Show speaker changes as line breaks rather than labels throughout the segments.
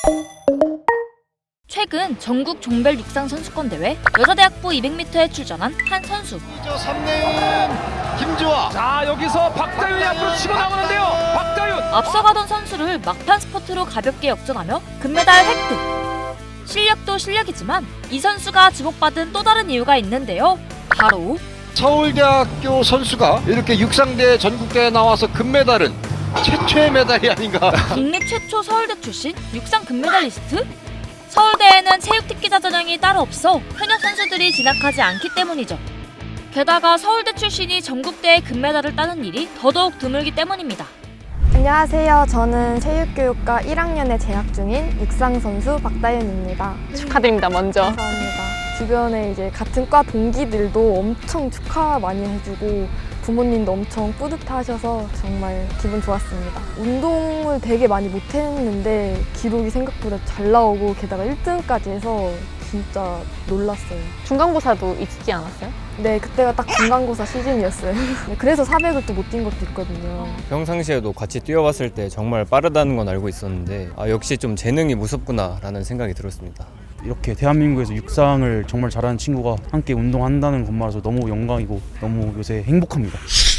최근 전국 종별 육상 선수권 대회 여자대학부 200m에 출전한 한 선수.
3레은 김주아.
자, 여기서 박다윤이 앞으로 치고 나오는데요. 박다윤.
앞서가던 선수를 막판 스포트로 가볍게 역전하며 금메달 획득. 실력도 실력이지만 이 선수가 주목받은 또 다른 이유가 있는데요. 바로
서울대학교 선수가 이렇게 육상대 전국대회에 나와서 금메달은 최초의 메달이 아닌가.
국내 최초 서울대 출신 육상 금메달리스트? 서울대에는 체육특기자 전형이 따로 없어 현역 선수들이 진학하지 않기 때문이죠. 게다가 서울대 출신이 전국대회 금메달을 따는 일이 더더욱 드물기 때문입니다.
안녕하세요. 저는 체육교육과 1학년에 재학 중인 육상선수 박다윤입니다.
축하드립니다, 먼저.
감사합니다. 주변에 이제 같은 과 동기들도 엄청 축하 많이 해주고 부모님도 엄청 뿌듯하셔서 정말 기분 좋았습니다. 운동을 되게 많이 못했는데 기록이 생각보다 잘 나오고 게다가 1등까지 해서 진짜 놀랐어요.
중간고사도 있지 않았어요?
네, 그때가 딱 중간고사 시즌이었어요. 네, 그래서 400을 또 못 뛴 것도 있거든요.
평상시에도 같이 뛰어봤을 때 정말 빠르다는 건 알고 있었는데 역시 좀 재능이 무섭구나 라는 생각이 들었습니다.
이렇게 대한민국에서 육상을 정말 잘하는 친구가 함께 운동한다는 것만으로서 너무 영광이고 너무 요새 행복합니다.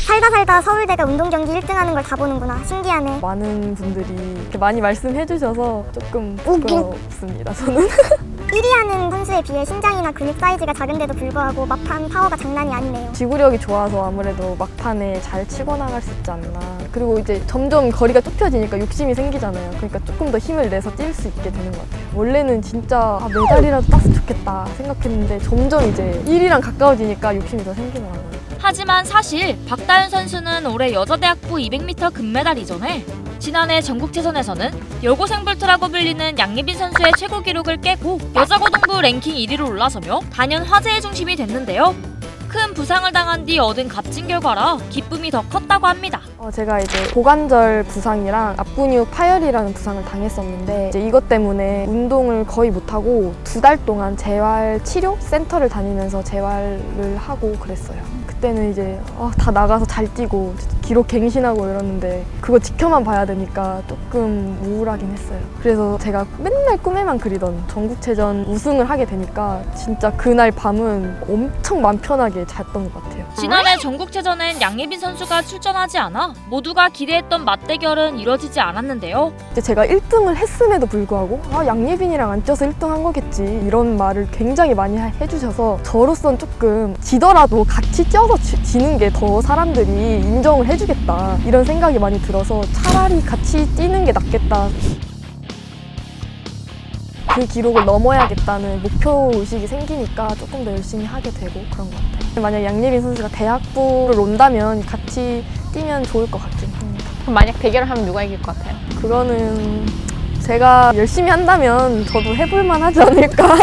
살다 서울대가 운동경기 1등하는 걸 다 보는구나. 신기하네.
많은 분들이 이렇게 많이 말씀해 주셔서 조금 부끄럽습니다, 저는.
1위 하는 선수에 비해 신장이나 근육 사이즈가 작은데도 불구하고 막판 파워가 장난이 아니네요.
지구력이 좋아서 아무래도 막판에 잘 치고 나갈 수 있지 않나. 그리고 이제 점점 거리가 좁혀지니까 욕심이 생기잖아요. 그러니까 조금 더 힘을 내서 뛸 수 있게 되는 것 같아요. 원래는 진짜 메달이라도 땄으면 좋겠다 생각했는데 점점 이제 1위랑 가까워지니까 욕심이 더 생기더라고요.
하지만 사실 박다윤 선수는 올해 여자대학부 200m 금메달 이전에 지난해 전국체전에서는 여고생볼트라고 불리는 양예빈 선수의 최고 기록을 깨고 여자고등부 랭킹 1위로 올라서며 단연 화제의 중심이 됐는데요. 큰 부상을 당한 뒤 얻은 값진 결과라 기쁨이 더 컸다고 합니다.
제가 이제 고관절 부상이랑 앞근육 파열이라는 부상을 당했었는데 이제 이것 때문에 운동을 거의 못하고 2달 동안 재활 치료 센터를 다니면서 재활을 하고 그랬어요. 그때는 이제 다 나가서 잘 뛰고 기록 갱신하고 이러는데 그거 지켜만 봐야 되니까 조금 우울하긴 했어요. 그래서 제가 맨날 꿈에만 그리던 전국체전 우승을 하게 되니까 진짜 그날 밤은 엄청 맘 편하게 잤던 것 같아요.
지난해 전국체전엔 양예빈 선수가 출전하지 않아 모두가 기대했던 맞대결은 이뤄지지 않았는데요.
이제 제가 1등을 했음에도 불구하고 양예빈이랑 안 쪄서 1등 한 거겠지 이런 말을 굉장히 많이 해주셔서 저로선 조금 지더라도 같이 쪄서 지는 게 더 사람들이 인정을 해주겠다 이런 생각이 많이 들어서 차라리 같이 뛰는 게 낫겠다. 그 기록을 넘어야겠다는 목표의식이 생기니까 조금 더 열심히 하게 되고 그런 것 같아요. 만약 양예빈 선수가 대학부를 온다면 같이 뛰면 좋을 것 같긴 합니다.
그럼 만약 대결을 하면 누가 이길 것 같아요?
그거는 제가 열심히 한다면 저도 해볼만 하지 않을까.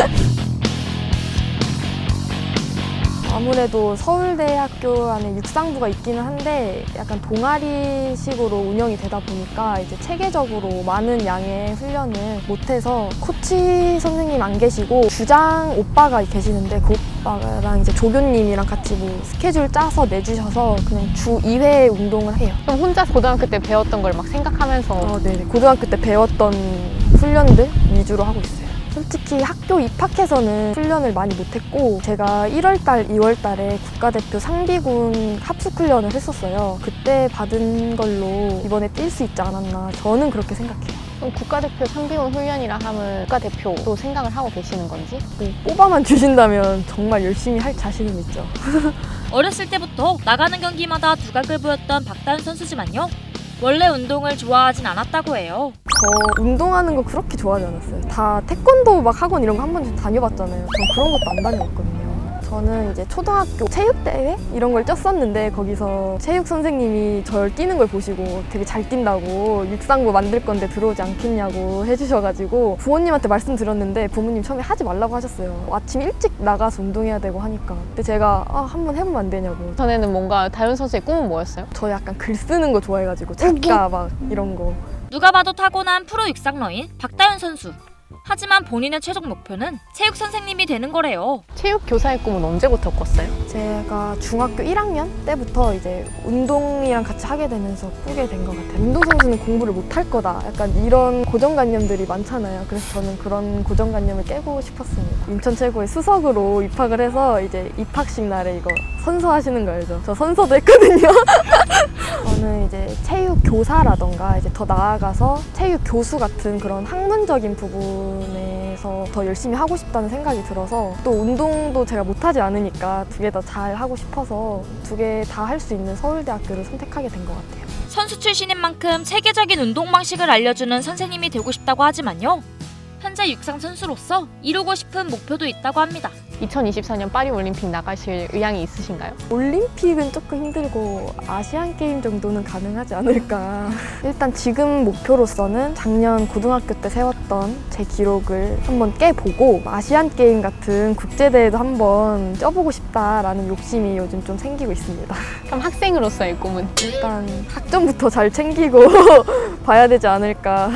아무래도 서울대학교 안에 육상부가 있기는 한데 약간 동아리식으로 운영이 되다 보니까 이제 체계적으로 많은 양의 훈련을 못해서 코치 선생님 안 계시고 주장 오빠가 계시는데 그 오빠랑 이제 조교님이랑 같이 뭐 스케줄 짜서 내주셔서 그냥 주 2회 운동을 해요.
그럼 혼자 고등학교 때 배웠던 걸 막 생각하면서
네, 고등학교 때 배웠던 훈련들 위주로 하고 있어요. 솔직히 학교 입학해서는 훈련을 많이 못했고 제가 1월달, 2월달에 국가대표 상비군 합숙훈련을 했었어요. 그때 받은 걸로 이번에 뛸 수 있지 않았나 저는 그렇게 생각해요.
그럼 국가대표 상비군 훈련이라 하면 국가대표로 생각을 하고 계시는 건지?
뽑아만 주신다면 정말 열심히 할 자신은 있죠.
어렸을 때부터 나가는 경기마다 두각을 보였던 박다윤 선수지만요. 원래 운동을 좋아하진 않았다고 해요.
저 운동하는 거 그렇게 좋아하지 않았어요. 다 태권도 막 학원 이런 거 한 번씩 다녀봤잖아요. 전 그런 것도 안 다녀봤거든요. 저는 이제 초등학교 체육대회 이런 걸 쪘었는데 거기서 체육 선생님이 저를 뛰는 걸 보시고 되게 잘 뛴다고 육상부 만들 건데 들어오지 않겠냐고 해주셔가지고 부모님한테 말씀드렸는데 부모님 처음에 하지 말라고 하셨어요. 아침 일찍 나가서 운동해야 되고 하니까. 근데 제가 한번 해보면 안 되냐고.
전에는 뭔가 다윤 선수의 꿈은 뭐였어요?
저 약간 글 쓰는 거 좋아해가지고 작가 막 이런 거.
누가 봐도 타고난 프로 육상러인 박다윤 선수. 하지만 본인의 최종 목표는 체육 선생님이 되는 거래요.
체육 교사의 꿈은 언제부터 꿨어요?
제가 중학교 1학년 때부터 이제 운동이랑 같이 하게 되면서 꾸게 된 것 같아요. 운동선수는 공부를 못할 거다. 약간 이런 고정관념들이 많잖아요. 그래서 저는 그런 고정관념을 깨고 싶었습니다. 인천 최고의 수석으로 입학을 해서 이제 입학식 날에 이거 선서하시는 거 알죠? 저 선서도 했거든요. 저는 이제 체육 교사라던가 이제 더 나아가서 체육 교수 같은 그런 학문적인 부분에서 더 열심히 하고 싶다는 생각이 들어서 또 운동도 제가 못하지 않으니까 두 개 다 잘 하고 싶어서 두 개 다 할 수 있는 서울대학교를 선택하게 된 것 같아요.
선수 출신인 만큼 체계적인 운동 방식을 알려주는 선생님이 되고 싶다고 하지만요. 현재 육상 선수로서 이루고 싶은 목표도 있다고 합니다.
2024년 파리올림픽 나가실 의향이 있으신가요?
올림픽은 조금 힘들고 아시안 게임 정도는 가능하지 않을까. 일단 지금 목표로서는 작년 고등학교 때 세웠던 제 기록을 한번 깨보고 아시안 게임 같은 국제대회도 한번 쪄보고 싶다라는 욕심이 요즘 좀 생기고 있습니다.
그럼 학생으로서의 꿈은?
일단 학점부터 잘 챙기고 봐야 되지 않을까.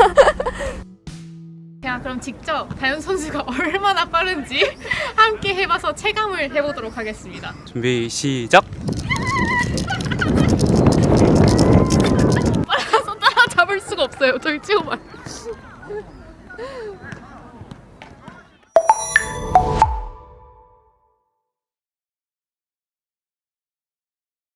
제가 그럼 직접 다현 선수가 얼마나 빠른지 함께 해봐서 체감을 해보도록 하겠습니다.
준비 시작.
빨라서 따라잡을 수가 없어요. 저희 친구 말.